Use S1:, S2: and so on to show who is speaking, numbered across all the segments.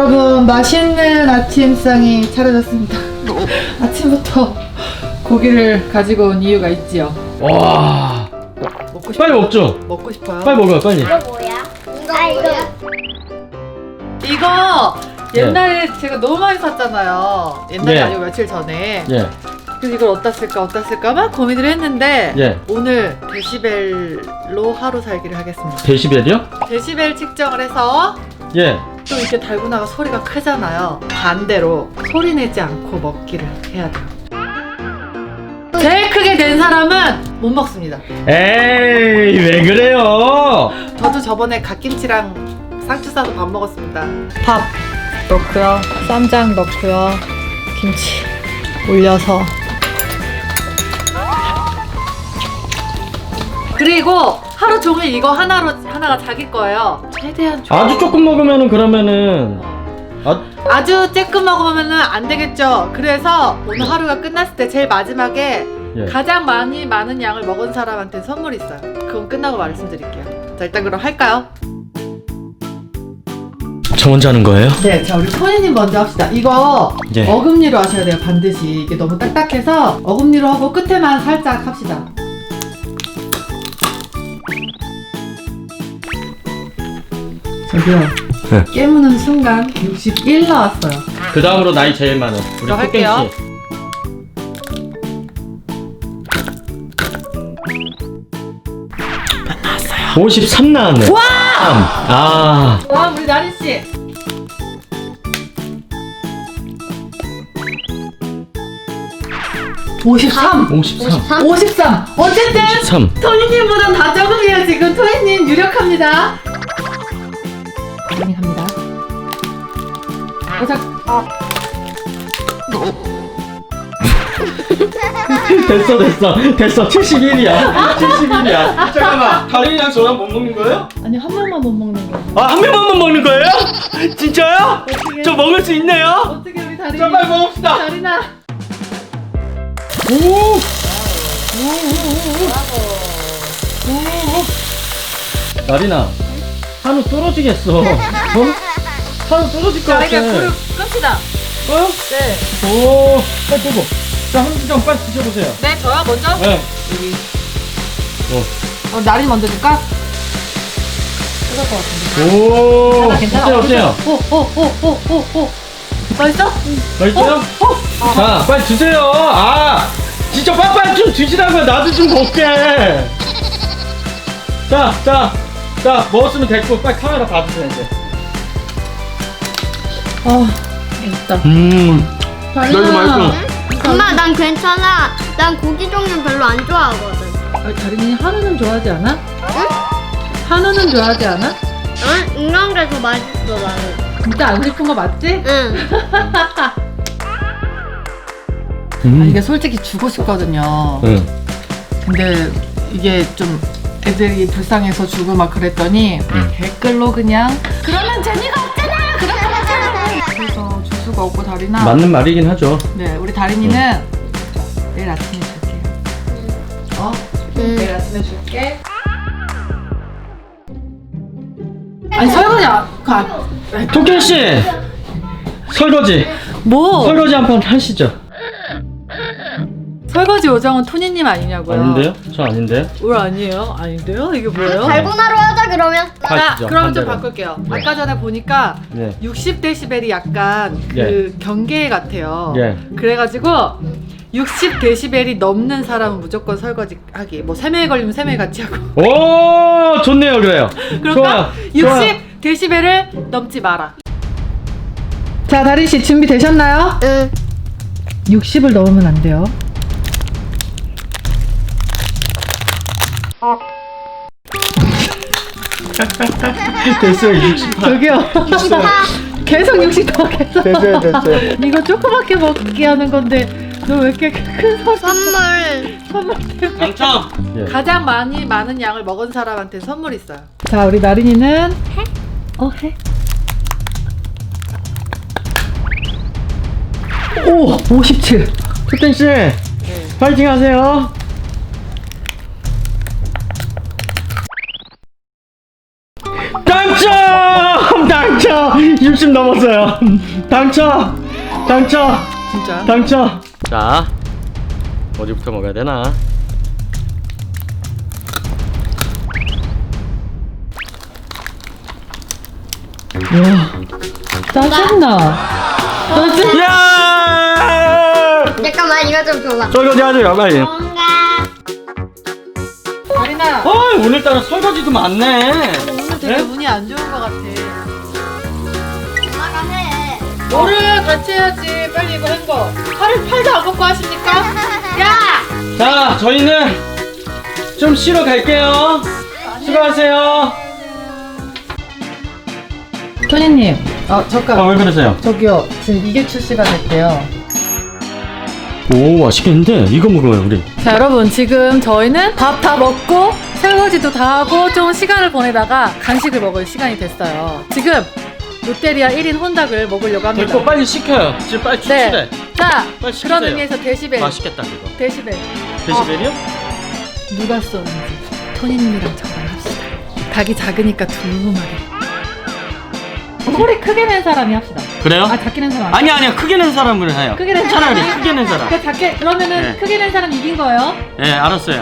S1: 여러분, 맛있는 아침상이 차려졌습니다. 아침부터 고기를 가지고 온 이유가 있지요.
S2: 와,
S1: 먹고 싶어요?
S2: 빨리 먹죠.
S1: 먹고 싶어요?
S2: 빨리 먹어요, 빨리.
S3: 이거 뭐야?
S1: 이거 옛날에 제가 너무 많이 샀잖아요. 옛날이
S2: 예.
S1: 아니고 며칠 전에.
S2: 예,
S1: 그래서 이걸 어디다 쓸까 막 고민을 했는데
S2: 예.
S1: 오늘 데시벨로 하루 살기를 하겠습니다.
S2: 데시벨이요?
S1: 데시벨 측정을 해서
S2: 예.
S1: 또 이렇게 달고나가 소리가 크잖아요. 반대로 소리 내지 않고 먹기를 해야 돼요. 제일 크게 낸 사람은 못 먹습니다.
S2: 에이, 왜 그래요?
S1: 저도 저번에 갓김치랑 상추 싸서 밥 먹었습니다. 밥 넣고요, 쌈장 넣고요, 김치 올려서, 그리고 하루 종일 이거 하나가 자기 거예요. 최대한
S2: 아주 조금 먹으면은 그러면은
S1: 아주 쬐끔 먹으면은 안 되겠죠. 그래서 오늘 하루가 끝났을 때 제일 마지막에
S2: 예.
S1: 가장 많은 양을 먹은 사람한테 선물이 있어요. 그건 끝나고 말씀드릴게요. 자, 일단 그럼 할까요?
S2: 저 먼저 하는 거예요?
S1: 네, 자, 우리 토니님 먼저 합시다. 이거
S2: 예.
S1: 어금니로 하셔야 돼요, 반드시. 이게 너무 딱딱해서 어금니로 하고 끝에만 살짝 합시다. 저기요.
S2: 네.
S1: 깨무는 순간 61 나왔어요.
S2: 그 다음으로 나이 제일 많은 우리
S1: 저 할게요.
S2: 토끼 씨. 53 나왔네.
S1: 와!
S2: 아,
S1: 다음 우리 나린 씨. (53)
S2: 53.
S1: 53. 어쨌든
S2: 53.
S1: 토니님보단 다 적으세요. 지금 토니님 유력합니다. 토니 갑니다.
S2: 됐어. 71이야. 71이야. 잠깐만. 다린이랑 저랑 못 먹는 거예요?
S1: 아니, 한 명만 못 먹는 거.
S2: 아, 한 명만 못 먹는 거예요? 진짜요?
S1: 어떻게?
S2: 저 먹을 수 있네요?
S1: 어떻게 우리 다린이?
S2: 자, 빨리 먹읍시다.
S1: 다린아.
S2: 오! 나린아, 한우 떨어지겠어. 어? 한우 떨어질 것
S1: 자,
S2: 같아.
S1: 이제 불을 끕시다.
S2: 어?
S1: 네.
S2: 오, 빨리 보고. 자, 한우 좀 빨리 드셔보세요.
S1: 네, 저요 먼저.
S2: 네.
S1: 여기.
S2: 어.
S1: 나린 먼저 줄까? 뜨거울 것 같은데.
S2: 오,
S1: 괜찮아.
S2: 어때요?
S1: 오. 맛있어?
S2: 맛있어요? 자, 빨리 드세요. 아, 진짜 빨리 좀 드시라고요. 나도 좀 먹게. 자, 먹었으면 됐고, 빨리 카메라 봐주세요, 이제.
S1: 맛있다.
S2: 나 이거 맛있어.
S3: 엄마 난 괜찮아. 난 고기 종류 별로 안 좋아하거든.
S1: 다린이 한우는 좋아하지 않아?
S3: 응?
S1: 한우는 좋아하지 않아?
S3: 응? 이런 게 더 맛있어 나는.
S1: 진짜 안 싶은 거 맞지?
S3: 응.
S1: 이게 솔직히 주고 싶거든요.
S2: 응.
S1: 근데 이게 좀 애들이 불쌍해서 주고 막 그랬더니 댓글로 그냥 그러면 재미가 없잖아. 그래서 줄 수가 없고 다리나.
S2: 맞는 말이긴 하죠.
S1: 네, 우리 다린이는 내일 아침에 줄게요. 내일 아침에 줄게. 아니 설거지
S2: 토끼 씨, 설거지 한번 하시죠.
S1: 설거지 요정은 토니님 아니냐고요?
S2: 아닌데요? 저 아닌데요?
S1: 왜 아니에요? 아닌데요? 이게 뭐예요?
S3: 달고나로 하자 그러면.
S1: 자,
S2: 하시죠,
S1: 그럼 좀
S2: 반대로.
S1: 바꿀게요.
S2: 네.
S1: 아까 전에 보니까
S2: 네.
S1: 60데시벨이 약간 그 경계 같아요.
S2: 예.
S1: 그래가지고 60데시벨이 넘는 사람은 무조건 설거지 하기. 뭐 3명 걸리면 3명 같이 하고.
S2: 오, 좋네요, 그래요.
S1: 그러니까
S2: 좋아요.
S1: 60데시벨을 넘지 마라. 자, 다린 씨 준비 되셨나요?
S3: 응.
S1: 60을 넘으면 안 돼요.
S2: 됐어요, 68.
S1: 저기요. 계속 60 더 계속.
S2: 됐어요.
S1: 이거 조그맣게 먹게 하는 건데 너 왜 이렇게 큰 선물 때문에.
S2: 당첨. 예.
S1: 가장 많은 양을 먹은 사람한테 선물 있어요. 자, 우리 나린이는 해? 해? 오, 57.
S2: 토끼 씨, 파이팅 하세요. 당첨! 60 넘었어요. 당첨.
S1: 진짜?
S2: 당첨. 자, 어디부터 먹어야 되나?
S1: 짜증나.
S2: 야!
S3: 잠깐만 이거 좀 줘봐.
S2: 저기 어디 하세요, 빨리.
S3: 뭔가
S1: 다리나.
S2: 오늘따라 설거지도 많네.
S1: 오늘 되게
S2: 네?
S1: 운이 안 좋은 것 같아.
S3: 엄마가 해.
S1: 뭐를 같이 해야지. 빨리 이거 한 거. 팔도 안 먹고 하십니까? 야!
S2: 자, 저희는 좀 쉬러 갈게요. 수고하세요.
S1: 토니님. 잠깐.
S2: 왜 그러세요?
S1: 저기요. 지금 이게 출시가 됐대요.
S2: 오, 맛있겠는데? 이거 먹어요, 우리.
S1: 자, 여러분 지금 저희는 밥 다 먹고 설거지도 다 하고 좀 시간을 보내다가 간식을 먹을 시간이 됐어요. 지금 롯데리아 1인 혼닭을 먹으려고 합니다.
S2: 됐고, 빨리 시켜요. 지금 빨리 출시래.
S1: 네. 자,
S2: 빨리 시키세요.
S1: 그런 의미에서 데시벨.
S2: 맛있겠다, 그거.
S1: 데시벨.
S2: 데시벨이요?
S1: 누가 쏘는지 토니님이랑 저랑 합시다. 닭이 작으니까 두루마리. 소리 크게 낸 사람이 합시다.
S2: 그래요?
S1: 작게 낸 사람.
S2: 아니야. 크게 낸 사람을 해요.
S1: 크게 낸
S2: 차라리
S1: 사람이?
S2: 크게 낸 사람.
S1: 그러면은
S2: 네.
S1: 크게 낸 사람 이긴 거예요?
S2: 네, 알았어요.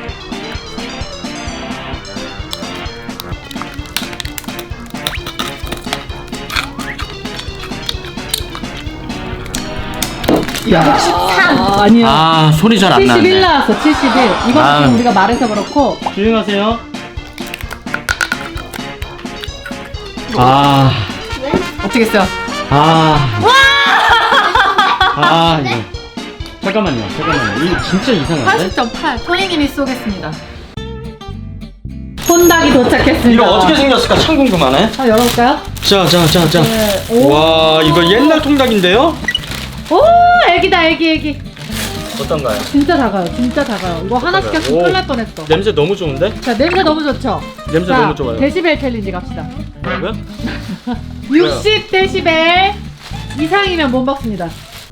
S1: 아니요.
S2: 소리 잘 안
S1: 71
S2: 나네.
S1: 나왔어. 71. 이건
S2: 아.
S1: 지금 우리가 말해서 그렇고.
S2: 조용하세요.
S1: 어떻게 했어요?
S2: 이거. 잠깐만요. 이거 진짜 이상한데?
S1: 80.8. 토니님이 쏘겠습니다. 혼닭이 도착했습니다.
S2: 이거 어떻게 생겼을까 참 궁금하네.
S1: 열어볼까요?
S2: 자.
S1: 네. 오.
S2: 와, 이거 옛날 통닭인데요?
S1: 오, 애기다, 애기.
S2: 어떤가요?
S1: 진짜 작아요. 이거 하나 시켰으면
S2: 오.
S1: 큰일 날 뻔했어.
S2: 냄새 너무 좋은데?
S1: 자, 냄새 너무 좋죠?
S2: 냄새
S1: 자,
S2: 너무 좋아요.
S1: 데시벨 챌린지 갑시다.
S2: 뭐라고요?
S1: 60 데시벨 이상이면 못 먹습니다.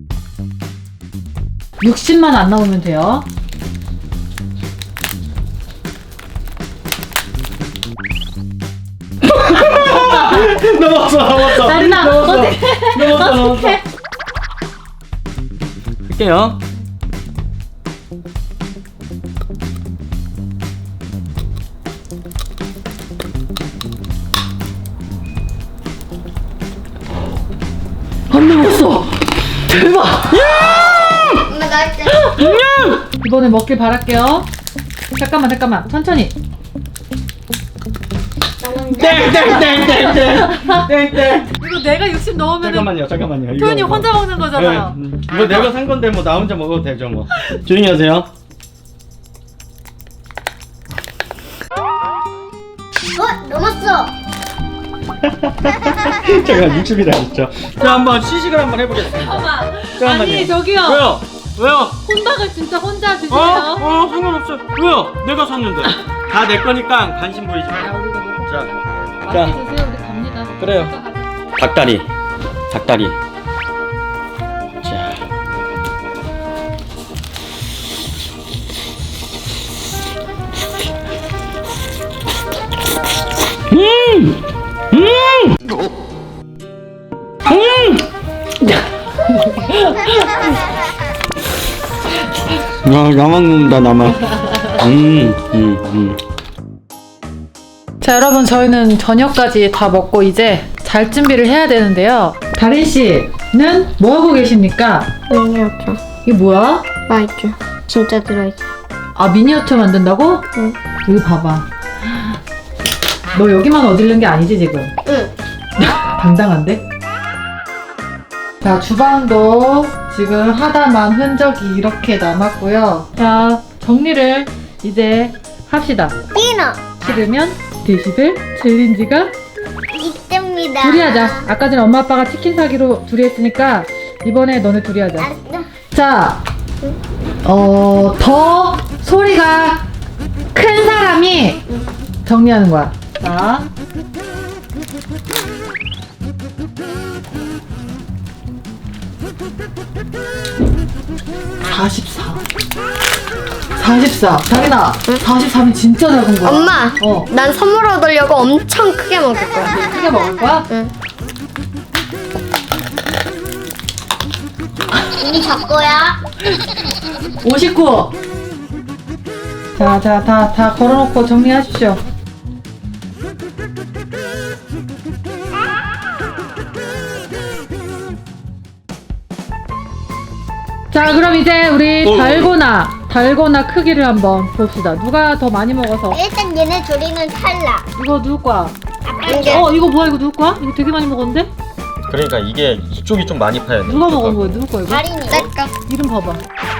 S1: 60만 안 나오면 돼요.
S2: 넘었어.
S1: 나리나, 어떡해.
S2: 넘었어. 할게요.
S1: 안 넘었어. 대박.
S3: 엄마 나 할게.
S1: 이번에 먹길 바랄게요. 잠깐만. 천천히.
S2: 땡.
S1: 이거 내가 60 넣으면
S2: 잠깐만요.
S1: 토니 혼자 먹는 거잖아요.
S2: 이거 내가 산 건데 뭐 나 혼자 먹어도 되죠 뭐. 조용히 하세요.
S3: 넘었어.
S2: 제가 60이라 했죠. 자, 한번 시식을 한번 해보겠습니다. 잠깐만요.
S1: 아니, 저기요.
S2: 왜요?
S1: 혼닭을 진짜 혼자 드세요.
S2: 상관없어요. 왜요? 내가 샀는데. 다 내 거니까 관심 보이지 마.
S1: 야, 우리가 먹고.
S2: 자,
S1: 맛있게 드세요. 우리 갑니다.
S2: 그래요. 닭다리. 자. 나만 먹는다, 나만.
S1: 자, 여러분 저희는 저녁까지 다 먹고 이제 잘 준비를 해야 되는데요. 다린 씨는 뭐 하고 계십니까?
S3: 미니어처.
S1: 이게 뭐야?
S3: 맛있죠. 진짜 들어있어.
S1: 미니어처 만든다고?
S3: 응.
S1: 여기 봐봐. 너 여기만 어디른 게 아니지 지금?
S3: 응.
S1: 당당한데? 자, 주방도 지금 하다만 흔적이 이렇게 남았고요. 자, 정리를 이제 합시다.
S3: 디너.
S1: 싫으면 데시벨 챌린지가
S3: 이때입니다.
S1: 둘이 하자. 아까 전에 엄마 아빠가 치킨 사기로 둘이 했으니까 이번에 너네 둘이 하자.
S3: 알았어.
S1: 자, 더 소리가 큰 사람이 정리하는 거야. 자. (44) 다리나 43이 진짜 작은 거야.
S3: 엄마.
S1: 어.
S3: 난 선물 얻으려고 엄청 크게 먹을 거야.
S1: 크게 먹을 거야?
S3: 응. 이미 졌고요.
S1: 59. 자, 다 걸어놓고 정리하십시오. 자, 그럼 이제 우리 달고나 크기를 한번 봅시다. 누가 더 많이 먹어서.
S3: 일단 얘네 둘이는 탈락.
S1: 이거 누구 거야?
S3: 이게
S1: 이거 뭐야? 이거 누구 거야? 이거 되게 많이 먹었는데?
S2: 그러니까 이게 이쪽이 좀 많이 파야 돼.
S1: 누가 먹은 거야? 누구 거야 이거?
S3: 다린이. 내 거.
S1: 이름 봐봐.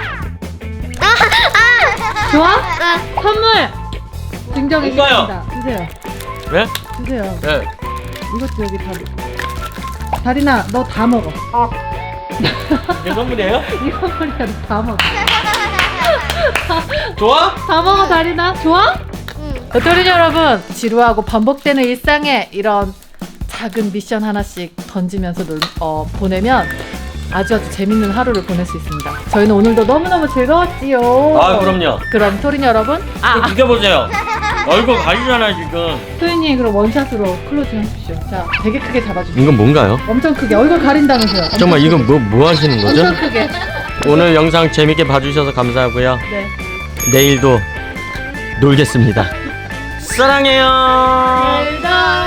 S1: 좋아? 선물 증정해주겠습니다. 주세요.
S2: 왜?
S1: 주세요.
S2: 네.
S1: 이것도 여기 다. 다리나, 너 다 먹어.
S2: 이게 선물이에요?
S1: 이거 머리야, 너 다 먹어.
S2: 좋아?
S1: 다 먹어, 다리나. 좋아? 도토리 여러분, 지루하고 반복되는 일상에 이런 작은 미션 하나씩 던지면서 보내면 아주 재밌는 하루를 보낼 수 있습니다. 저희는 오늘도 너무너무 즐거웠지요.
S2: 아, 그럼요.
S1: 그럼 토린 여러분,
S2: 좀 이겨보세요. 얼굴 가리잖아 지금.
S1: 토린이 그럼 원샷으로 클로징 하십시오. 자, 되게 크게 잡아주세요.
S2: 이건 뭔가요?
S1: 엄청 크게 얼굴 가린다면서요. 엄청
S2: 정말
S1: 크게.
S2: 이건 뭐 하시는 거죠?
S1: 엄청 크게.
S2: 오늘 영상 재밌게 봐주셔서 감사하고요.
S1: 네.
S2: 내일도 놀겠습니다. 사랑해요.
S1: 일단